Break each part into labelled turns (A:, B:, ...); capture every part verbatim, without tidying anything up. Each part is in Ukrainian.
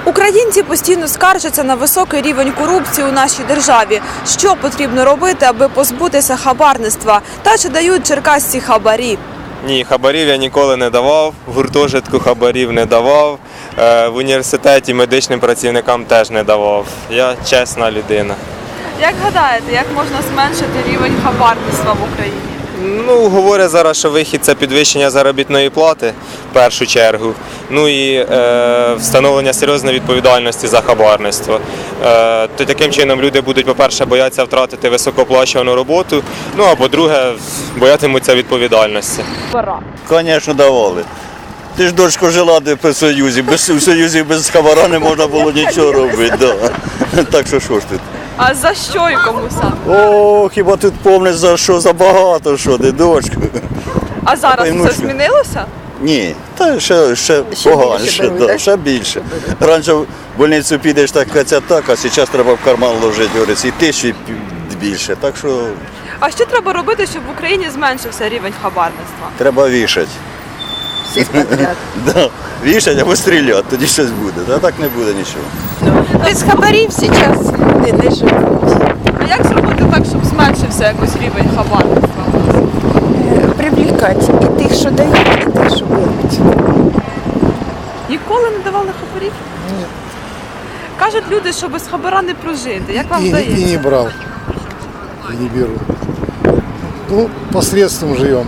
A: Українці постійно скаржаться на високий рівень корупції у нашій державі. Що потрібно робити, аби позбутися хабарництва? Та чи дають черкасці хабарі?
B: Ні, хабарів я ніколи не давав, в гуртожитку хабарів не давав, в університеті медичним працівникам теж не давав. Я чесна людина.
A: Як гадаєте, як можна зменшити рівень хабарництва в Україні?
B: Ну, говорять зараз, що вихід – це підвищення заробітної плати, в першу чергу, ну і е, встановлення серйозної відповідальності за хабарництво. Е, то таким чином люди будуть, по-перше, боятися втратити високооплачувану роботу, ну а по-друге, боятимуться відповідальності.
C: Звісно, давали. Ти ж, дочко, жила де при Союзі, без, в Союзі без хабара не можна було нічого робити. Да. Так що що ж тут?
A: А за що і кому саме?
C: О, хіба тут помниш за що, за багато що, де дочко.
A: А зараз
C: Та, ну,
A: це
C: що?
A: змінилося?
C: Ні, та ще, ще,
D: Ще
C: поганіше,
D: більше беруть,
C: да,
D: так?
C: ще більше. Раніше в больницю підеш так, це так, а зараз треба в карман ложити, говориться, і тисячі більше. Так що
A: А що треба робити, щоб в Україні зменшився рівень хабарництва?
C: треба вішати.
D: Всіх подряд.
C: Да. Вішать або стріляти, тоді щось буде. А так не буде нічого.
D: Без хабарів зараз не, не живуть.
A: А як зробити так, щоб зменшився якось рівень хабарництва?
D: Привлікати і тих, що дають, і тих, що беруть.
A: Ніколи не давали хабарів? Ні. Кажуть люди, що без хабара не прожити. Як вам
E: И,
A: здається?
E: и не брал, и не беру. Ну, посредством живем.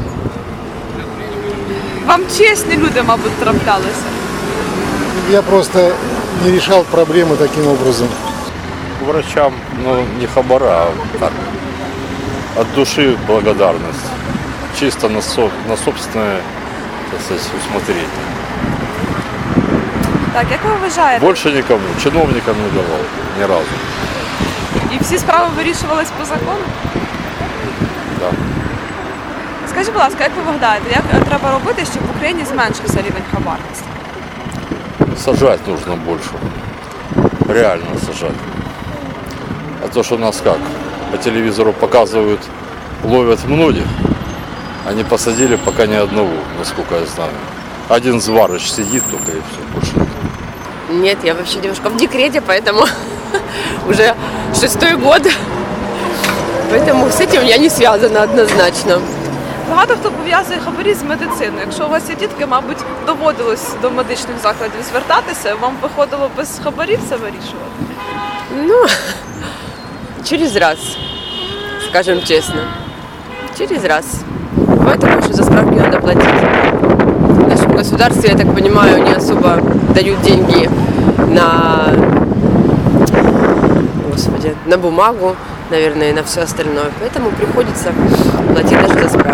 A: Вам чесні люди, мабуть, траплялися.
E: Я просто не решал проблемы таким образом.
F: Врачам, ну, не хабара, а так, от души благодарность. Чисто на, со, на собственное, так сказать, усмотрение.
A: Так, як ви вважаєте?
F: Больше никому, чиновникам не давал ни разу.
A: І всі справи вирішувались по закону?
F: Да.
A: Скажіть, будь ласка, як ви гадаєте, як треба робити, щоб в Україні зменшився рівень хабарництва?
F: Сажать нужно больше. Реально сажать. А то, что нас как, по телевизору показывают, ловят многих, они посадили пока ни одного, насколько я знаю. Один зварыч сидит только и все, больше нет.
G: Нет, я вообще девушка в декрете, поэтому уже шестой год. Поэтому с этим я не связана однозначно.
A: Багато хто пов'язує хабарі з медициною. Якщо у вас є дітки, мабуть, доводилось до медичних закладів звертатися, вам виходило без хабарів це вирішувати?
G: Ну, через раз, скажем честно. Через раз. Бывает такое, что за справки надо платить. В нашем государстве, я так понимаю, не особо дают деньги на, господи, на бумагу, наверное, и на все остальное. Поэтому приходится платить даже за справки.